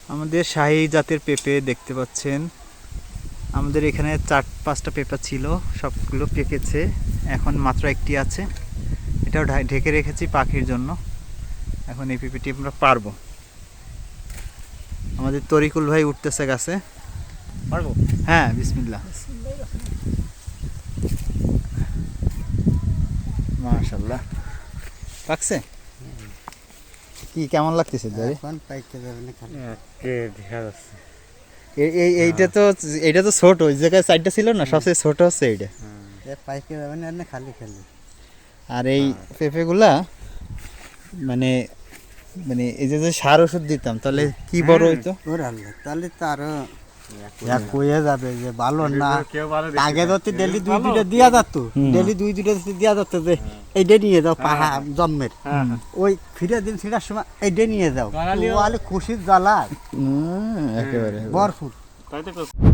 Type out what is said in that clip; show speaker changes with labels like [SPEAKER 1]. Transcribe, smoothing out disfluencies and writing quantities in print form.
[SPEAKER 1] আমাদের শাহী জাতের পেঁপে দেখতে পাচ্ছেন। আমাদের এখানে 4-5টা পেঁপে ছিল, সবগুলো পেকেছে, এখন মাত্র একটি আছে। এটাও ঢেকে রেখেছি পাখির জন্য। এখন এই পেঁপেটি আমরা পারবো। আমাদের তরিকুল ভাই উঠতেছে গাছে, পারবো? হ্যাঁ, বিসমিল্লাহ। মাশাআল্লাহ, পাকছে কি কেমন লাগতেছে?
[SPEAKER 2] এখন পাইতে যাবে না, খালি দেখা যাচ্ছে।
[SPEAKER 1] এইটা তো ছোট, ওই জায়গায় সাইডটা ছিল না, সবচেয়ে ছোট হচ্ছে এইটা।
[SPEAKER 2] পাইতে যাবে না, খালি খালি।
[SPEAKER 1] আর এই পেঁপেগুলা মানে মানে এই যে সার ওষুধ দিতাম তাহলে কি বড় হইতো?
[SPEAKER 2] তাহলে তো আরো কয়ে যাবে যে ভালো না। আগে যদি ডেলি 2-2টা দিয়া যেত, ডেলি 2-2টা দিয়া যেত যে এইটা নিয়ে যাও পাহা জন্মের, ওই ফিরে দিন ফিরার সময় এইটা নিয়ে যাও, খুশির জ্বালা
[SPEAKER 1] একেবারে
[SPEAKER 2] ভরপুর।